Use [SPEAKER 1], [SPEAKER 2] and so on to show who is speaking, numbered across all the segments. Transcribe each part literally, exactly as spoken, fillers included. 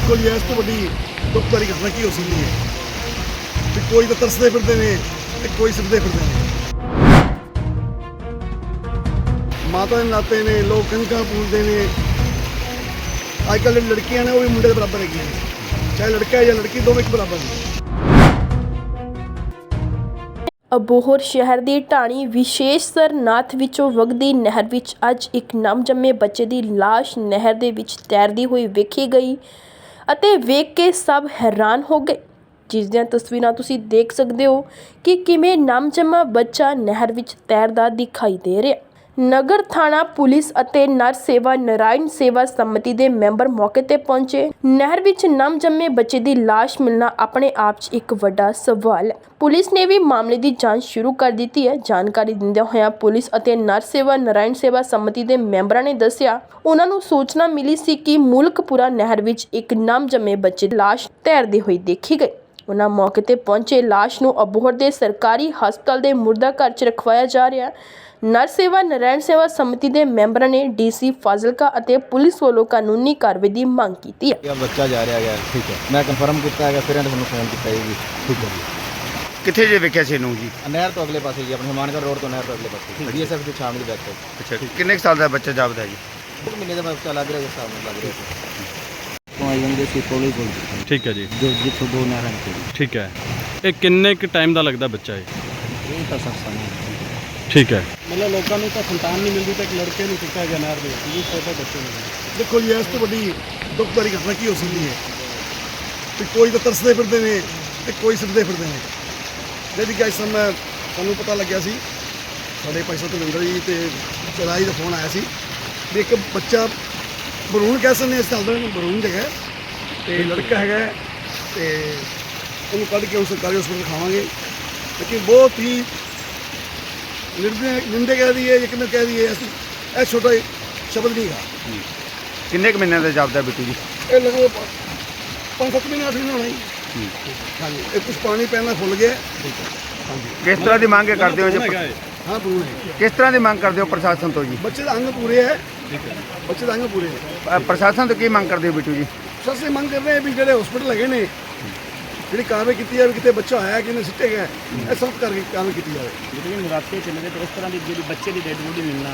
[SPEAKER 1] देखो जी इस तो बड़ी दुख भरी घटना की हो सकती है कि कोई तो तरसते फिरते ने ते कोई सिरते फिरते ने। माता के नाते ने लोग कणकां पूजते ने। अजकल लड़कियां ने वो भी मुंडे के बराबर है, चाहे लड़का है या लड़की दोवें एक बराबर ने।
[SPEAKER 2] ਅਬੋਹਰ ਸ਼ਹਿਰ ਦੀ ਢਾਣੀ ਵਿਸ਼ੇਸ਼ ਸਰਨਾਥ ਵਿੱਚੋਂ ਵਗਦੀ ਨਹਿਰ ਵਿੱਚ ਅੱਜ ਇੱਕ ਨਵਜੰਮੇ ਬੱਚੇ ਦੀ ਲਾਸ਼ ਨਹਿਰ ਦੇ ਵਿੱਚ ਤੈਰਦੀ ਹੋਈ ਵੇਖੀ ਗਈ ਅਤੇ ਵੇਖ ਕੇ ਸਭ ਹੈਰਾਨ ਹੋ ਗਏ। ਜਿਸ ਦੀਆਂ ਤਸਵੀਰਾਂ ਤੁਸੀਂ ਦੇਖ ਸਕਦੇ ਹੋ ਕਿ ਕਿਵੇਂ ਨਵਜੰਮਾ ਬੱਚਾ ਨਹਿਰ ਵਿੱਚ ਤੈਰਦਾ ਦਿਖਾਈ ਦੇ ਰਿਹਾ। ਨਗਰ ਥਾਣਾ ਪੁਲਿਸ ਅਤੇ ਨਰ ਸੇਵਾ ਨਾਰਾਇਣ ਸੇਵਾ ਸਮਿਤੀ ਦੇ ਮੈਂਬਰ ਮੌਕੇ ਤੇ ਪਹੁੰਚੇ। ਨਹਿਰ ਵਿੱਚ ਨਵਜੰਮੇ ਬੱਚੇ ਦੀ ਲਾਸ਼ ਮਿਲਣਾ ਆਪਣੇ ਆਪ 'ਚ ਇੱਕ ਵੱਡਾ ਸਵਾਲ ਹੈ। ਪੁਲਿਸ ਨੇ ਵੀ ਮਾਮਲੇ ਦੀ ਜਾਂਚ ਸ਼ੁਰੂ ਕਰ ਦਿੱਤੀ ਹੈ। ਜਾਣਕਾਰੀ ਦਿੰਦਿਆਂ ਹੋਇਆਂ ਪੁਲਿਸ ਅਤੇ ਨਰ ਸੇਵਾ ਨਾਰਾਇਣ ਸੇਵਾ ਸਮਿਤੀ ਦੇ ਮੈਂਬਰਾਂ ਨੇ ਦੱਸਿਆ, ਉਹਨਾਂ ਨੂੰ ਸੂਚਨਾ ਮਿਲੀ ਸੀ ਕਿ ਮੁਲਕਪੁਰਾ ਨਹਿਰ ਵਿੱਚ ਇੱਕ ਨਵਜੰਮੇ ਬੱਚੇ ਦੀ ਲਾਸ਼ ਤੈਰਦੀ ਹੋਈ ਦੇਖੀ ਗਈ। ਉਹਨਾਂ ਮੌਕੇ ਤੇ ਪਹੁੰਚੇ ਲਾਸ਼ ਨੂੰ ਅਬੋਹਰ ਦੇ ਸਰਕਾਰੀ ਹਸਪਤਾਲ ਦੇ ਮੁਰਦਾ ਘਰ 'ਚ ਰਖਵਾਇਆ ਜਾ ਰਿਹਾ। ਨਰ ਸੇਵਾ ਨਾਰਾਇਣ ਸੇਵਾ ਸਮਿਤੀ ਦੇ ਮੈਂਬਰਾਂ ਨੇ ਡੀਸੀ ਫਾਜ਼ਿਲਕਾ ਅਤੇ ਪੁਲਿਸ ਵੱਲੋਂ ਕਾਨੂੰਨੀ ਕਾਰਵਾਈ ਦੀ ਮੰਗ ਕੀਤੀ ਹੈ।
[SPEAKER 3] ਬੱਚਾ ਜਾ ਰਿਹਾ ਹੈ, ਠੀਕ ਹੈ, ਮੈਂ ਕਨਫਰਮ ਕੀਤਾ ਹੈਗਾ, ਫਿਰ ਇਹਨਾਂ ਨੂੰ ਫੋਨ ਕੀਤਾ ਜੀ, ਠੀਕ ਹੈ ਜੀ।
[SPEAKER 4] ਕਿੱਥੇ ਜੇ ਵੇਖਿਆ ਸੀ ਇਹਨੂੰ ਜੀ?
[SPEAKER 3] ਨਹਿਰ ਤੋਂ ਅਗਲੇ ਪਾਸੇ ਜੀ, ਆਪਣੇ ਹਮਾਨਗੜ੍ਹ ਰੋਡ ਤੋਂ ਨਹਿਰ ਤੋਂ ਅਗਲੇ ਪਾਸੇ ਬੀਐਸਐਫ ਦੇ ਸ਼ਾਮ ਦੀ ਬੈਕ ਸਾਈਡ।
[SPEAKER 4] ਅੱਛਾ, ਕਿੰਨੇ ਕੁ ਸਾਲ ਦਾ ਬੱਚਾ ਜਾਪਦਾ ਜੀ?
[SPEAKER 3] ਇੱਕ ਮਹੀਨੇ ਦਾ ਬੱਚਾ ਲੱਗ ਰਿਹਾ, ਜਿਸ ਹਿਸਾਬ ਨਾਲ ਲੱਗ ਰਿਹਾ ਸੀ। ਤੋਂ ਆਈ ਜਾਂਦੇ ਸੀ ਕੋਲੀ ਕੋਲ,
[SPEAKER 5] ਠੀਕ ਹੈ ਜੀ,
[SPEAKER 3] ਜੋ ਜਿੱਥੋਂ ਦੋ ਨਹਿਰਾਂ ਨਿਕਲੀ।
[SPEAKER 5] ਠੀਕ ਹੈ। ਇਹ ਕਿੰਨੇ ਕੁ ਟਾਈਮ ਦਾ ਲੱਗਦਾ ਬੱਚਾ ਇਹ?
[SPEAKER 3] ਇਹ ਤਾਂ ਸਭ ਸਾਹਮਣੇ
[SPEAKER 5] ਠੀਕ ਹੈ।
[SPEAKER 6] मतलब लोगों को तो संतान नहीं मिलती, तो एक लड़के नहीं सकता है नहर में, ये छोटे बच्चे नहीं।
[SPEAKER 1] देखो जी इस तो बड़ी दुख भरी घटना की हो सकती है कि कोई तो तरसते फिरते ने ते कोई सिरते फिरते ने। जैसे कि इस समय सानू पता लग्या सी, साडे भाई साहब तलविंदर जी ते चराई का फोन आया सी भी एक बच्चा बरून कह सकते इस चलते बरून जगह ते लड़का है ते उन्होंने कढ़ के उस सरकारी हॉस्पिटल दिखावांगे, लेकिन बहुत ही निंदे निंदे कह दिए, यकीन कह दिए, ऐसा छोटा शब्द नहीं था।
[SPEAKER 4] ਕਿੰਨੇ ਕੁ ਮਹੀਨਿਆਂ ਦਾ ਜਾਪਦਾ ਬਿੱਟੂ ਜੀ?
[SPEAKER 1] ये लगभग पाँच सत्त महीने आठ महीने होना ही। हाँ जी, ये कुछ पानी पहना फुल गया। हाँ जी,
[SPEAKER 4] ਕਿਸ ਤਰ੍ਹਾਂ ਦੀ ਮੰਗ ਕਰਦੇ ਹੋ ਜੀ?
[SPEAKER 1] हाँ पूरे है।
[SPEAKER 4] ਕਿਸ ਤਰ੍ਹਾਂ ਦੀ ਮੰਗ ਕਰਦੇ ਹੋ ਪ੍ਰਸ਼ਾਸਨ ਤੋਂ ਜੀ?
[SPEAKER 1] बच्चे का अंग पूरे है, बच्चे का अंग पूरे है।
[SPEAKER 4] ਅ, ਪ੍ਰਸ਼ਾਸਨ ਤੋਂ ਕੀ ਮੰਗ ਕਰਦੇ ਹੋ ਬਿੱਟੂ ਜੀ?
[SPEAKER 1] सबसे मंग कर रहे हैं भी जो हॉस्पिटल लगे ने जी कार्रवाई की जाए, कितने बच्चा आया कि सिटे गया, यह सब करके कार्रवाई की जाए।
[SPEAKER 6] लेकिन रास्ते चले गए तो इस तरह की जी बच्चे की डेड बॉडी मिलना।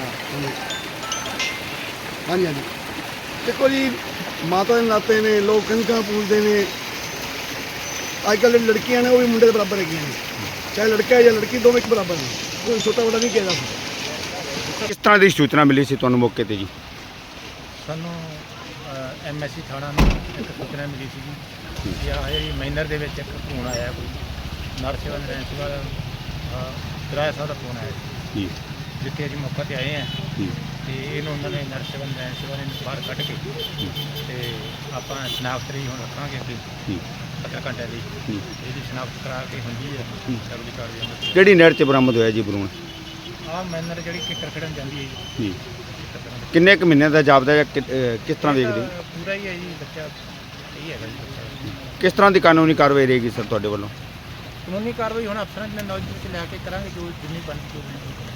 [SPEAKER 1] हाँ जी हाँ जी, देखो जी माता के नाते ने लोग कणकां पूजते ने। अजकल लड़कियां ने वो भी मुंडे के बराबर है, चाहे लड़का है या लड़की दोवें एक बराबर ने, कोई छोटा बड़ा नहीं किया जा सकता।
[SPEAKER 4] ਕਿਸ ਤਰ੍ਹਾਂ ਦੀ ਸੂਚਨਾ ਮਿਲੀ ਸੀ ਤੁਹਾਨੂੰ ਮੌਕੇ ਤੇ ਜੀ?
[SPEAKER 6] ਸਾਨੂੰ ਐਮ ਐਸ ਸੀ ਥਾਣਾ ਨੂੰ ਇੱਕ ਸੂਚਨਾ ਮਿਲੀ ਸੀ ਜੀ ਕਿ ਆਹ ਜਿਹੜੀ ਮਾਈਨਰ ਦੇ ਵਿੱਚ ਇੱਕ ਫੋਨ ਆਇਆ, ਕੋਈ ਨਰ ਸੇਵਾ ਨਾਰਾਇਣ ਸੇਵਾ ਦਾ ਕਿਰਾਇਆ ਸਾਹਿਬ ਦਾ ਫੋਨ ਆਇਆ
[SPEAKER 4] ਜੀ,
[SPEAKER 6] ਜਿੱਥੇ ਅਸੀਂ ਮੌਕੇ 'ਤੇ ਆਏ ਹਾਂ
[SPEAKER 4] ਜੀ,
[SPEAKER 6] ਤੇ ਇਹਨੂੰ ਉਹਨਾਂ ਨੇ ਨਰ ਸੇਵਾ ਨਾਰਾਇਣ ਸੇਵਾ ਨੇ ਬਾਹਰ ਕੱਢ ਕੇ ਤੇ ਆਪਾਂ ਸ਼ਨਾਖਤ ਰਹੀ ਹੁਣ ਰੱਖਾਂਗੇ ਅੱਗੇ
[SPEAKER 4] ਜੀ,
[SPEAKER 6] ਸੱਤਰ ਘੰਟੇ ਦੀ
[SPEAKER 4] ਜੀ।
[SPEAKER 6] ਇਹਦੀ ਸ਼ਨਾਖਤ ਕਰਾ ਕੇ ਹੁੰਦੀ ਹੈ ਅਗਲੀ ਕਾਰਵਾਈ।
[SPEAKER 4] ਕਿਹੜੀ ਨਹਿਰ 'ਚ ਬਰਾਮਦ ਹੋਇਆ ਜੀ ਭਰੂਣ?
[SPEAKER 6] ਆਹ ਮਾਈਨਰ ਜਿਹੜੀ ਕਿੱਕਰ ਖੜਨ ਜਾਂਦੀ ਹੈ ਜੀ,
[SPEAKER 4] ਜੀ, ਕਿੰਨੇ ਕੁ ਮਹੀਨਿਆਂ ਦਾ ਜਾਪਦਾ ਜਾਂ ਕਿ- ਅ, ਕਿਸ ਤਰ੍ਹਾਂ ਵੇਖਦੇ ਹੋ?
[SPEAKER 6] ਇਹ ਪੂਰਾ ਹੀ ਹੈ ਜੀ ਬੱਚਾ, ਇਹ ਹੈਗਾ ਜੀ ਬੱਚਾ।
[SPEAKER 4] ਕਿਸ ਤਰ੍ਹਾਂ ਦੀ ਕਾਨੂੰਨੀ ਕਾਰਵਾਈ ਰਹੇਗੀ ਸਰ ਤੁਹਾਡੇ ਵੱਲੋਂ?
[SPEAKER 6] ਕਾਨੂੰਨੀ ਕਾਰਵਾਈ ਹੁਣ ਅਫਸਰਾਂ ਦੇ ਨੌਲੇਜ ਵਿੱਚ ਲੈ ਕੇ ਕਰਾਂਗੇ, ਜੋ ਜਿੰਨੀ ਬਣਦੀ ਹੋਵੇਗੀ।